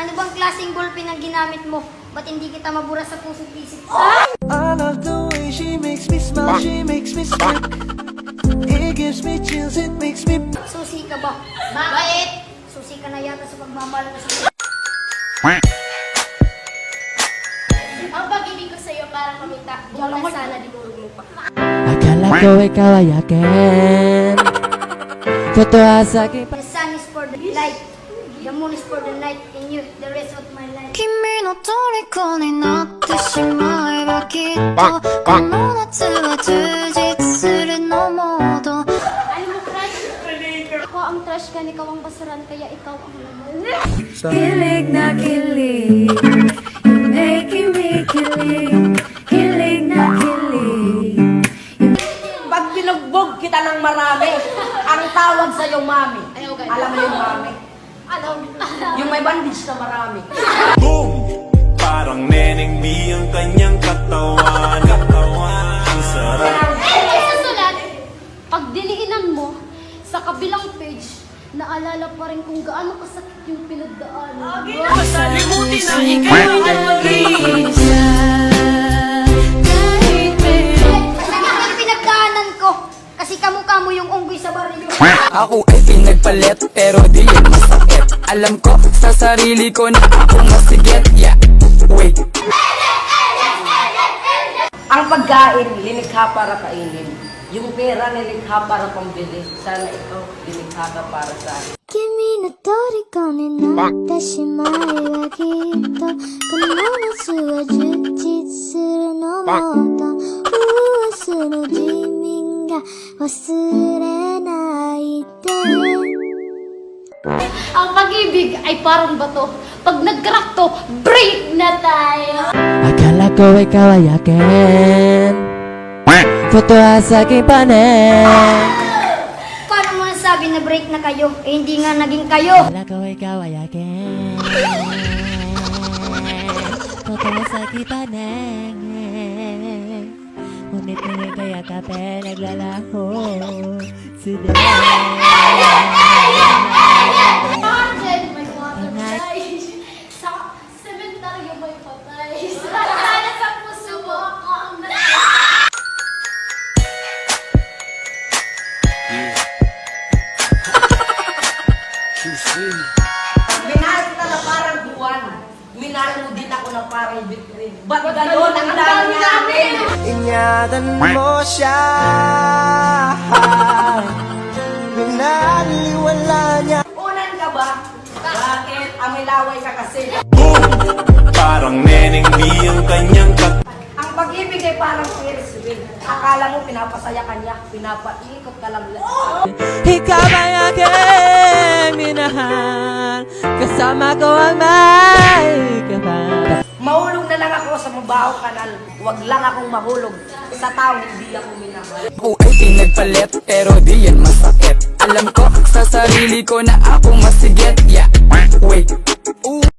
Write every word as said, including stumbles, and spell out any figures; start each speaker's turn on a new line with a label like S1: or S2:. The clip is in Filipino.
S1: Ano bang klaseng ballpen ang ginamit mo? Ba't hindi kita mabura sa puso't isip?
S2: I love the way she makes me smile, she makes me smile. It gives me chills, it makes me.
S1: Susi ka ba? Bakit? Susi ka na yata sa pagmamahal mo sa...
S3: Ang pag-ibig ko sa'yo para kumita. Huwag na sana dinurog mo pa.
S4: Akala ko ikaw ay akin. Totoo sa akin.
S1: The sun is for the light, the moon is for the night, and you, the rest of my life.
S5: 君の虜になってしまえばきっとこの夏は充実するのモード
S3: Alam mo, crush? Ako ang trash ka, ikaw ang basuran, kaya ikaw ang laman.
S5: Kilig na kilig You're making me kilig Kilig na kilig
S6: Pag binugbog kita ng marami, ang tawag sa'yo, mami.
S3: Ayaw, ganun.
S6: Alam mo yung mami?
S3: Alam.
S6: Yung may bandage na marami.
S7: Boom! Parang Neneng B ang kanyang katawan. Katawan. Ang sarap.
S3: Ay, susulat, pag diliinan mo, sa kabilang page, naalala pa rin kung gaano kasakit yung pinagdaanan.
S6: Masalimutin na ikaw ay
S5: Isa kahit meron
S1: Masakit ang pinagdaanan ko, kasi kamukha mo yung unggoy sa baril.
S4: Ako ay pinagpalit pero di yan masakit. Alam ko sa sarili ko na ako masigit. Yeah, wait.
S6: Ang pagkain, linikha para kainin. Yung pera, nilikha para pambili. Sana ikaw, lilikha ka para sa akin.
S5: 君の虜になってしまえばきっとこの夏は充実するのもっと明日の自民が忘れないで
S3: Ang pag-ibig ay parang bato. Pag nag-crack to, break na tayo.
S4: Akala ko ikaw ay akin. Totoo sa aking panin.
S1: Paano mo nasabi na break na kayo? Eh, hindi nga naging kayo.
S4: Akala ko ikaw ay akin. Totoo sa aking panin. Ngunit ngunit kaya kape naglalaho. Today.
S3: Martin, may water sa sementaryo may patay. Sana sa puso mo ako ang nalala.
S6: Minahal kita na parang buwan. Minahal mo din ako na parang bitrin. Ba't gano'n ang dami namin?
S2: Ingatan mo siya. Binaliwala niya.
S6: Unan ka ba? Bakit? Amilaway ka kasi.
S7: Boom! Parang Neneng B ang kanyang katawan.
S6: Ang pag-ibig ay parang Ferris wheel. Akala mo pinapasaya ka niya, pinapaikot ka lang.
S4: Ikaw ay aking minahal. Kasama ko ang may kapal.
S6: Mahulog na lang ako sa mabaho kanal. Huwag lang akong mahulog sa tao hindi ako minahal.
S4: Ako ay pinagpalit pero di yan masakit. Alam ko sa sarili ko na ako masigit. Yeah, wait. Ooh.